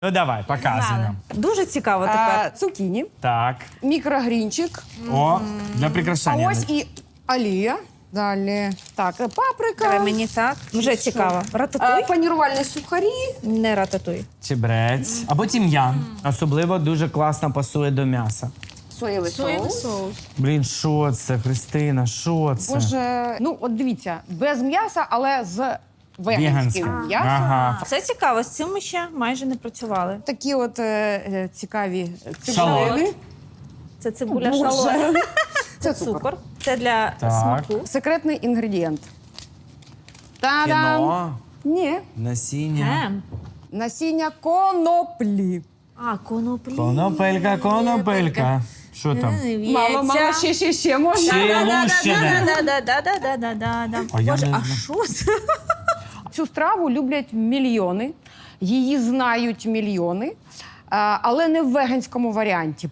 Ну давай, показуємо. Дуже цікаво тепер. Цукіні, Так. мікрогрінчик, О, для а прикрашання. ось і олія. Далі. Так, Давай паприка, мені так. Вже цікаво. Рататуй? панірувальні сухарі. Не рататуй. Чебрець. Або тім'ян. Особливо дуже класно пасує до м'яса. Соєвий соус. Блін, що це, Христина, що це? Боже, ну от дивіться, без м'яса, але з Веганське. веганським м'ясом. Ага. Це цікаво, з цим ми ще майже не працювали. Такі от цікаві Шалот. цибулини. Це цибуля Боже. шалот. Це Цукор. Це для Так. смаку. Секретний інгредієнт. Та-дам! Кіно, Ні. насіння. Гем. Насіння коноплі. А, коноплі. Конопелька. Що там? Мало, мало, ще можна. Ще лущене. Да-да-да-да-да-да-да-да. А я Боже, не а знаю. що це? Цю страву люблять мільйони, її знають мільйони, але не в веганському варіанті.